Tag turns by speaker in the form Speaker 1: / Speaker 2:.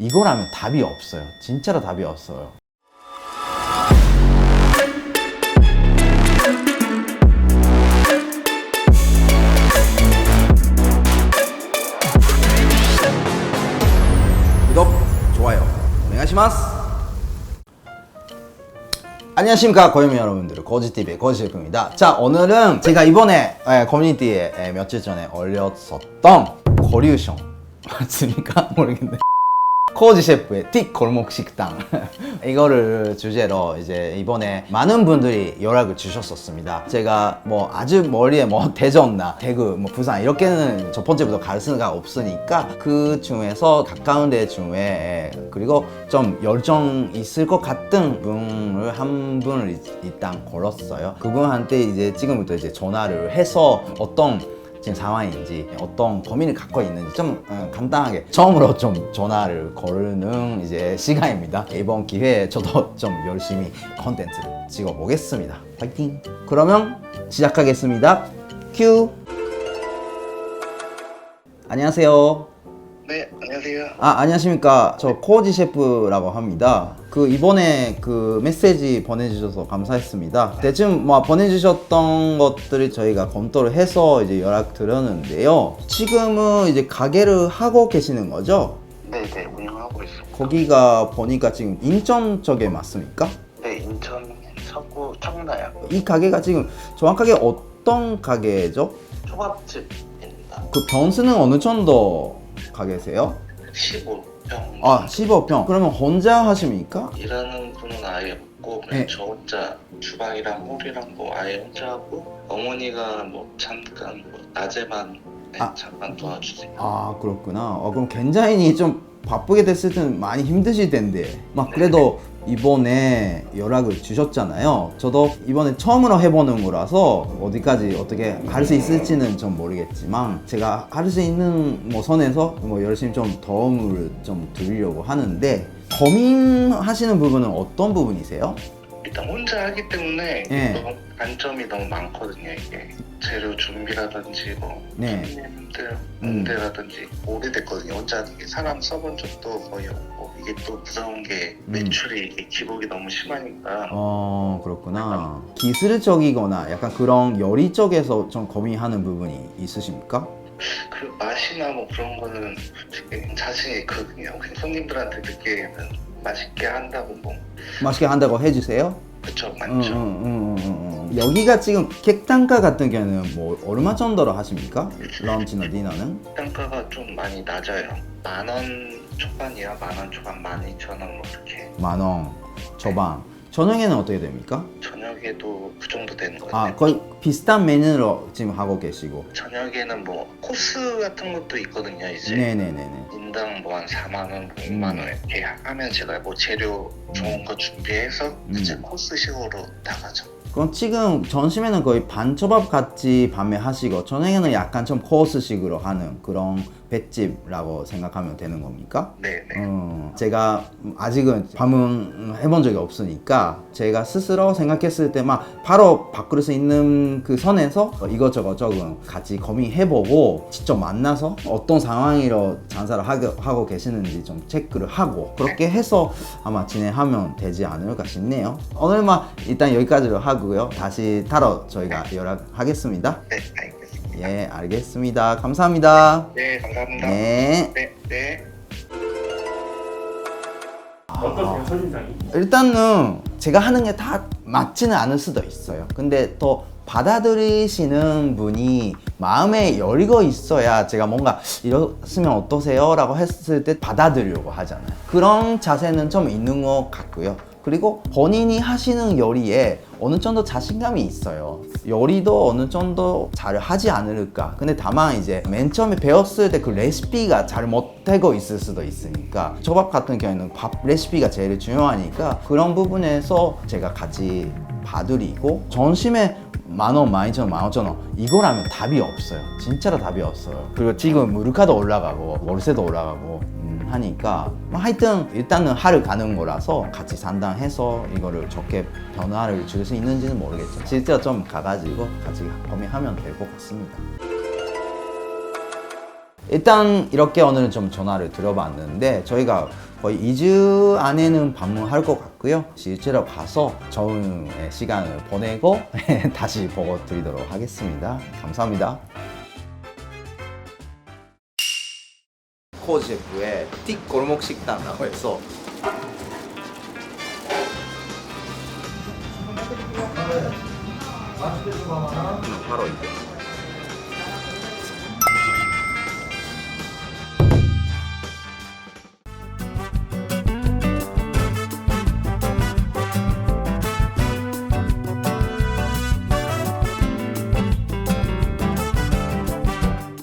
Speaker 1: 이거라면 답이 없어요. 진짜로 답이 없어요. 구독, 좋아요, 오네가시마스. 안녕하십니까 고유미 여러분들, 고지TV의 고지셰프입니다. 자, 오늘은 제가 이번에 커뮤니티에 며칠 전에 올렸었던 거류숑 맞습니까? 모르겠네. 코지 셰프의 틱 골목 식당 이거를 주제로 이제 이번에 많은 분들이 연락을 주셨었습니다. 제가 뭐 아주 멀리에 뭐 대전나 대구 뭐 부산 이렇게는 첫 번째부터 갈 수가 없으니까 그 중에서 가까운 데 중에 그리고 좀 열정 있을 것 같은 분을 한 분을 일단 걸었어요. 그분한테 이제 지금부터 이제 전화를 해서 어떤 지금 상황인지 어떤 고민을 갖고 있는지 좀 간단하게 처음으로 좀 전화를 거는 이제 시간입니다. 이번 기회에 저도 좀 열심히 컨텐츠를 찍어 보겠습니다. 파이팅! 그러면 시작하겠습니다. 큐! 안녕하세요.
Speaker 2: 네, 안녕하세요.
Speaker 1: 안녕하십니까. 저 코지 셰프라고 합니다. 이번에 메시지 보내주셔서 감사했습니다. 대충 뭐 보내주셨던 것들을 저희가 검토를 해서 이제 연락 드렸는데요. 지금은 이제 가게를 하고 계시는 거죠?
Speaker 2: 네, 운영하고 있습니다.
Speaker 1: 거기가 보니까 지금 인천 쪽에 맞습니까?
Speaker 2: 네, 인천 서구 청라요.
Speaker 1: 이 가게가 지금 정확하게 어떤 가게죠?
Speaker 2: 초밥집입니다.
Speaker 1: 그 평수는 어느 정도 가게세요?
Speaker 2: 15평.
Speaker 1: 15평. 그러면 혼자 하십니까?
Speaker 2: 일하는 분은 아예 없고 그냥
Speaker 1: 네.
Speaker 2: 저 혼자 주방이랑 홀이랑 뭐 아예 혼자 하고 어머니가 뭐 잠깐 뭐 낮에만 잠깐 도와주세요.
Speaker 1: 그렇구나. 그럼 굉장히 좀 바쁘게 됐을 때는 많이 힘드실 텐데 막 그래도 이번에 연락을 주셨잖아요. 저도 이번에 처음으로 해보는 거라서 어디까지 어떻게 할 수 있을지는 좀 모르겠지만 제가 할 수 있는 뭐 선에서 뭐 열심히 좀 도움을 좀 드리려고 하는데, 고민하시는 부분은 어떤 부분이세요?
Speaker 2: 일단 혼자 하기 때문에
Speaker 1: 네.
Speaker 2: 너무 단점이 너무 많거든요. 이게 재료 준비라든지 뭐
Speaker 1: 네.
Speaker 2: 손님들 응대라든지 오래됐거든요. 혼자 하는 게 사람 써본 적도 거의 없고 이게 또 무서운 게 매출이 이게 기복이 너무 심하니까
Speaker 1: 그렇구나. 기술적이거나 약간 그런 요리 쪽에서 좀 고민하는 부분이 있으십니까?
Speaker 2: 그 맛이나 뭐 그런 거는 솔직히 자신이 있거든요. 그냥 손님들한테 듣기에는 맛있게 한다고 뭐
Speaker 1: 맛있게 한다고 해주세요?
Speaker 2: 그쵸, 맞죠.
Speaker 1: 여기가 지금 객단가 같은 경우는 뭐 얼마 정도로 하십니까? 런치나 디너는?
Speaker 2: 단가가 좀 많이 낮아요. 10,000원 초반이야. 10,000원 초반, 12,000원 뭐 이렇게.
Speaker 1: 10,000원 초반. 저녁에는 어떻게 됩니까?
Speaker 2: 저녁에도 그 정도 되는 것 같아요.
Speaker 1: 거의 비슷한 메뉴로 지금 하고 계시고.
Speaker 2: 저녁에는 뭐 코스 같은 것도 있거든요. 이제
Speaker 1: 네네네네.
Speaker 2: 인당 뭐 한 4만원, 5만원 이렇게 하면 제가 뭐 재료 좋은 거 준비해서 이제 코스식으로 나가죠.
Speaker 1: 그럼 지금 점심에는 거의 반초밥 같이 밤에 하시고 저녁에는 약간 좀 코스식으로 하는 그런 횟집이라고 생각하면 되는 겁니까?
Speaker 2: 네네.
Speaker 1: 제가 아직은 방문 해본 적이 없으니까 제가 스스로 생각했을 때 막 바로 바꿀 수 있는 그 선에서 이것저것 조금 같이 고민해보고 직접 만나서 어떤 상황으로 장사를 하고 계시는지 좀 체크를 하고 그렇게 해서 아마 진행하면 되지 않을까 싶네요. 오늘 일단 여기까지로 하고요. 다시 타러 저희가 연락하겠습니다.
Speaker 2: 네, 알겠습니다.
Speaker 1: 예, 알겠습니다. 감사합니다.
Speaker 2: 네, 감사합니다.
Speaker 1: 네.
Speaker 2: 네.
Speaker 3: 어떠세요, 첫인상이?
Speaker 1: 일단은 제가 하는 게 다 맞지는 않을 수도 있어요. 근데 또 받아들이시는 분이 마음에 여리고 있어야 제가 뭔가 이랬으면 어떠세요? 라고 했을 때 받아들이려고 하잖아요. 그런 자세는 좀 있는 것 같고요. 그리고 본인이 하시는 요리에 어느 정도 자신감이 있어요. 요리도 어느 정도 잘 하지 않을까. 근데 다만 이제 맨 처음에 배웠을 때 그 레시피가 잘 못되고 있을 수도 있으니까 초밥 같은 경우에는 밥 레시피가 제일 중요하니까 그런 부분에서 제가 같이 봐드리고 점심에 10,000원, 12,000원, 15,000원 이거라면 답이 없어요. 진짜로 답이 없어요. 그리고 지금 물가도 올라가고 월세도 올라가고 하니까 하여튼 일단은 하루 가는 거라서 같이 상담해서 이거를 좋게 변화를 줄 수 있는지는 모르겠죠. 실제로 좀 가가지고 같이 고민하면 될 것 같습니다. 일단 이렇게 오늘은 좀 전화를 드려봤는데 저희가 거의 2주 안에는 방문할 것 같고요. 실제로 가서 좋은 시간을 보내고 다시 보고 드리도록 하겠습니다. 감사합니다. 코제프의 틱 골목 식당이라고 해서 바로 이게